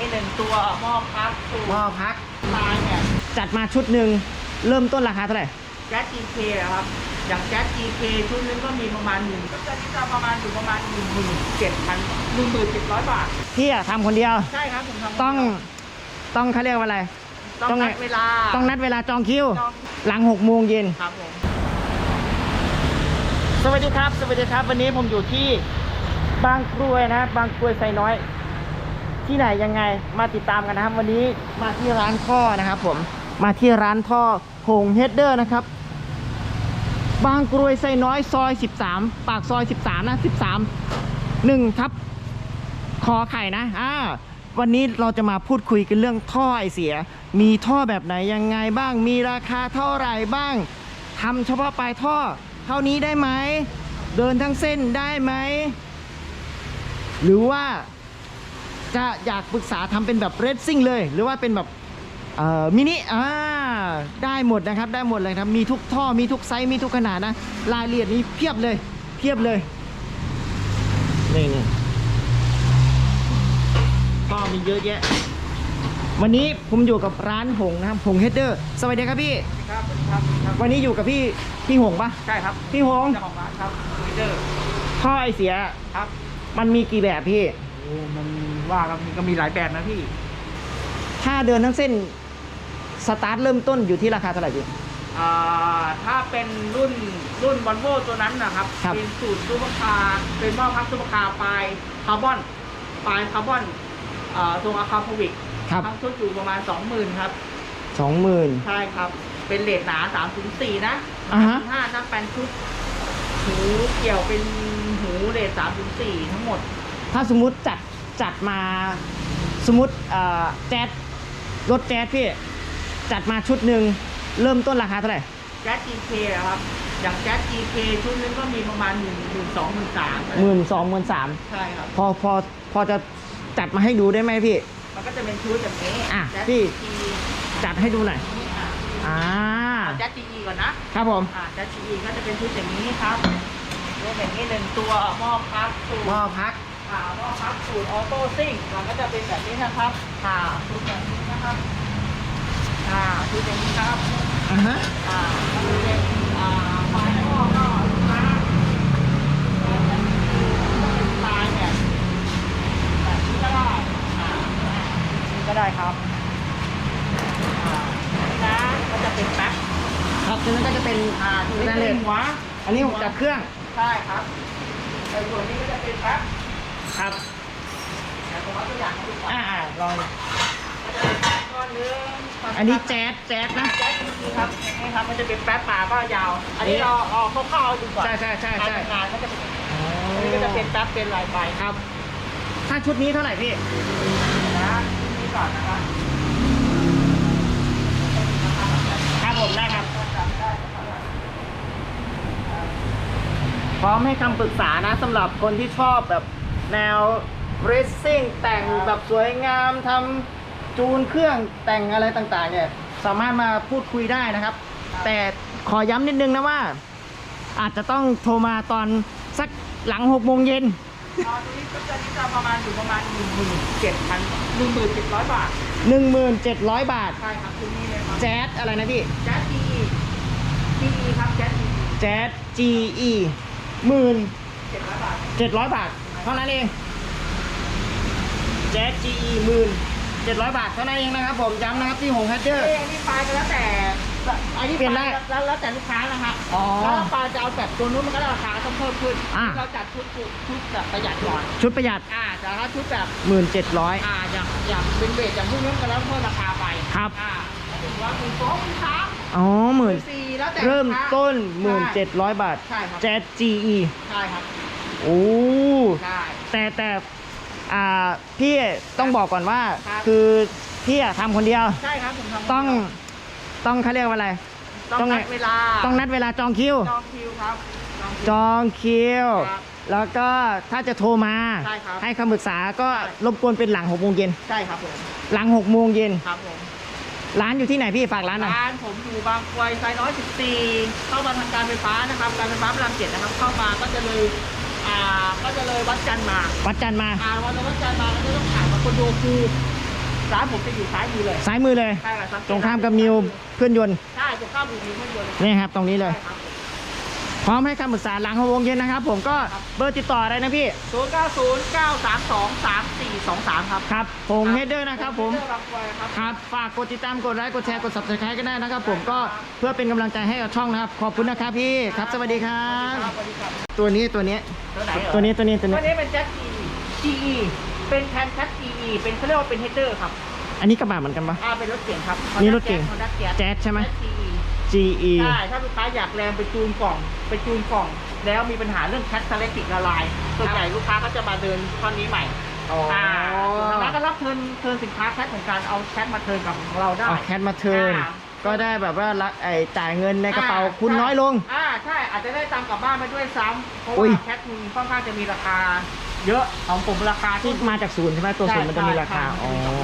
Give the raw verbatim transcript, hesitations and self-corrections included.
นี้หนึ่งตัวหม้อพักสูตรหม้อพักลายเนี่ยจัดมาชุดหนึ่งเริ่มต้นราคาเท่าไหร่แก๊ส จี เค ครับอย่างแก๊ส จี เค ชุดนึงก็มีประมาณหนึ่งก็จะนี่จะประมาณอยู่ประมาณหนึ่งหมื่นเจ็ดพันหนึ่งหมื่นเจ็ดร้อยบาทพี่อะทำคนเดียวใช่ครับผมทำต้องต้องเขาเรียกว่าอะไรต้องนัดเวลาต้องนัดเวลาจองคิวจองหลังหกโมงเย็นครับผมสวัสดีครับ สวัสดีครับ วันนี้ผมอยู่ที่บางกรวยนะบางกรวยไซน้อย ที่ไหนยังไงมาติดตามกันนะครับ วันนี้มาที่ร้านท่อนะครับ ผมมาที่ร้านท่อหงเฮดเดอร์นะครับบางกรวยไซน้อยซอยสิบสามปากซอยสิบสามนะสิบสาม หนึ่งทับคอไข่นะอ่าวันนี้เราจะมาพูดคุยกันเรื่องท่อไอเสียมีท่อแบบไหนยังไงบ้างมีราคาเท่าไหร่บ้างทำเฉพาะปลายท่อเท่านี้ได้ไหมเดินทั้งเส้นได้ไหมหรือว่าจะอยากปรึกษาทำเป็นแบบเรซซิ่งเลยหรือว่าเป็นแบบเอ่อมินิอ่าได้หมดนะครับได้หมดเลยครับมีทุกท่อมีทุกไซส์มีทุกขนาดนะรายละเอียดนี้เพียบเลยเพียบเลยนี่นี่ท่อมีเยอะแยะวันนี้ผมอยู่กับร้านหงนะครับหงเฮดเดอร์สวัสดีครับพี่ครับครับครับวันนี้อยู่กับพี่พี่หงปะใช่ครับพี่หงเจ้าของร้านครับลีเดอร์ท่อไอเสียครับมันมีกี่แบบพี่โอ้มันว่ากันก็มีหลายแบบนะพี่ถ้าเดินทั้งเส้นสตาร์ทเริ่มต้นอยู่ที่ราคาเท่าไหร่พี่อ่าถ้าเป็นรุ่นรุ่นวอลโว่ตัวนั้นนะครับครับเป็นสูตรซูเปอร์คาร์เป็นหม้อพักซูเปอร์คาร์ปลายคาร์บอนปลายคาร์บอนอ่าตรงอะคาโพวิกครับทั้งชุดอยู่ประมาณ สองหมื่น ครับสองหมื่นใช่ครับเป็นเลทหนาสามถึงสี่นะอ่าฮะห้าถ้าเป็นชุดหูเกี่ยวเป็นหูเลทสามถึงสี่ทั้งหมดถ้าสมมุติจัดจัดมาสมมติเอ่อแจ๊สรถแจ๊สพี่จัดมาชุดหนึ่งเริ่มต้นราคาเท่าไหร่แก๊ส จี เค ครับอย่างแก๊ส จี เค ชุดนึงก็มีประมาณหนึ่งหมื่นสองหมื่นสามหมื่นสองหมื่นสามใช่ครับพอพอพอจะจัดมาให้ดูได้ไหมพี่มันก็จะเป็นชุดแบบนี้อ่ะแจ๊สพี่จีจัดให้ดูหน่อยอ่าเอาแจ๊สจีก่อนนะครับผมอ่าแจ๊สจีก็จะเป็นชุดอย่างนี้ครับรวมอย่างนี้หนึ่งตัวหม้อพักสูตรหม้อพักอ่าหม้อพักสูตรออโต้ซิ่งมันก็จะเป็นแบบนี้นะครับอ่าชุดแบบนี้นะครับอ่าชุดอย่างนี้ครับอ่าฮะอ่าก็จะเป็นอ่าไฟหม้อก็ลูกค้าเป็นลายแบบแบบนี้ก็ได้อ่านี่ก็ได้ครับอ่านี่นะก็จะเป็นแป๊บครับตัวนั้นก็จะเป็นอ่าดูสแตนเลเล่สนหัวอันนี้ผมจับเครื่องใช่ครับแต่ส่วนนี้ก็จะเป็นแป๊บครับแต่ผมเอาตัวอย่างให้ดูก่อนอ่าอ่าลองก็จะเป็นแป๊บก้อนหนึงอันนี้แจ๊สแจ๊สนะแจ๊สจริงๆครับนี่ครับมันจะเป็นแป๊บป่าก็ยาว อันนี้เราเอาคร่าวๆดูก่อนใช่ใช่ใช่ใช่การทำงานก็จะเป็นอย่างนี้อันนี้ก็จะเป็นแป๊บเป็นลายใบครับ ถ้าชุดนี้เท่าไหร่พี่นะนี่ก่อนนะครับครับผมได้ครับ พร้อมให้คำปรึกษานะสำหรับคนที่ชอบแบบแนวเรซซิ่งแต่งแบบสวยงามทำจูนเครื่องแต่งอะไรต่างๆเนี่ยสามารถมาพูดคุยได้นะครับ แต่ขอย้ำนิดนึงนะว่า อาจจะต้องโทรมาตอนสักหลังหกโมงเย็นอ่าตัวนี้ก็จะนี่จะประมาณอยู่ประมาณหนึ่งหมื่นเจ็ดพันหนึ่งหมื่นเจ็ดร้อยบาทหนึ่งหมื่นเจ็ดร้อยบาทใช่ครับตัวนี้เลยครับแจ๊สอะไรนะพี่แจ๊สจีจีครับแจ๊สจีแจ๊ส จี อี หมื่นเจ็ดร้อยบาทเจ็ดร้อยบาทเท่านั้นเองแจ๊ส จี อี หมื่นเจ็ดร้อยบาทเท่านั้นเองนะครับผมย้ำนะครับที่หงแฮดเดอร์เอ้ยอันนี้ไฟล์ก็แล้วแต่อันนี้เปลี่ยนได้แล้วแล้วแต่ลูกค้านะฮะอ๋อถ้าไฟล์จะเอาแบบตัวนู้นมันก็ราคาต้องเพิ่มขึ้นอ่ะเราจัดชุดชุดแบบประหยัดก่อนชุดประหยัดอ่าแต่ถ้าชุดแบบหมื่นเจ็ดร้อยอ่าอย่างอย่างเป็นเบสอย่างพวกนี้ก็แล้วเพิ่มราคาไปครับอ่าแล้วถึงว่าคุณฟ้องคุณค้าอ๋อหมื่นสี่แล้วแต่เริ่มลูกค้าต้นหมื่นใช่เจ็ดร้อยบาทใช่ครับแจ๊ส จี อีใช่ครับโอ้ใช่แต่แต่อ่าพี่ต้องบอกก่อนว่าครับคือพี่อะทำคนเดียวใช่ครับผมทำต้องต้องเขาเรียกว่าอะไรต้องนัดเวลาต้องนัดเวลาจองคิวจองคิวครับจองคิวจองคิวครับแล้วก็ถ้าจะโทรมาใช่ครับให้คำปรึกษาก็ใช่รบกวนเป็นหลังหกโมงเย็นใช่ครับผมหลังหกโมงเย็นครับผมร้านอยู่ที่ไหนพี่ฝากร้านหน่อยร้านผมอยู่บางกรวยซอยน้อยสิบสี่เข้ามาทางการไฟฟ้านะครับการไฟฟ้าพระรามเจ็ดนะครับเข้ามาก็จะเลยอ่าก็จะเลยวัดจันทร์มาวัดจันทร์มาอ่าวันวัดจันทร์มาก็จะต้องผ่านมาคอนโดคูร้านผมจะอยู่ซ้ายมือเลยซ้ายมือเลยใช่ครับตรงข้ามกับนิวเครื่องยนต์ใช่ตรงข้ามกับนิวเครื่องยนต์นี่ครับตรงนี้เลยใช่ครับพร้อมให้คำปรึกษาหลังหกโมงเย็นนะครับผมก็เบอร์ติดต่ออะไรนะพี่ศูนย์เก้าศูนย์เก้าสามสองสามสี่สองสามครับครับผมเฮดเดอร์นะครับผมเรื่องรางวัลครับครับฝากกดติดตามกดไลค์กดแชร์กด ซับสไครบ์ ก็ได้นะครับผมก็เพื่อเป็นกำลังใจให้กับช่องนะครับขอบคุณนะครับพี่ครับสวัสดีครับสวัสดีครับตัวนี้ตัวนี้ตัวไหนเหรอตัวนี้ตัวนี้ตัวตัวนี้นี้เป็นแจ็ค จี อี เป็นแทนแจ็ค จี อี เป็นเขาเรียกว่าเป็นเฮดเดอร์ครับอันนี้กระบะเหมือนกันปะอ่าเป็นรถเก๋งครับนี่รถเก๋ง Honda Jazz แจ๊สใช่ไหมจี อีจี อีใช่ ถ้าลูกค้าอยากแรงไปจูนกล่อง ไปจูนกล่อง แล้วมีปัญหาเรื่องแคทสเลติกละลาย ส่วนใหญ่ลูกค้าก็จะมาเดินท่อนนี้ใหม่อ๋ออ่าทางร้านก็รับเทิร์นเทิร์นสินค้าแคทของการเอาแคทมาเทิร์นกับของเราได้เอาแคทมาเทิร์นอ่าก็ได้แบบว่ารักไอจ่ายเงินในกระเป๋าอ่คุณใช่น้อยลงอ่าใช่อาจจะได้ตามกลับบ้านไปด้วยซ้ำเพราะอุ้ว่าย แคทมีค่อนข้างจะมีราคา เยอะของผมราคาที่มาจากศูนย์ใช่ไหมตัวศูนย์มันจะมีราคาใช่อ๋อใช่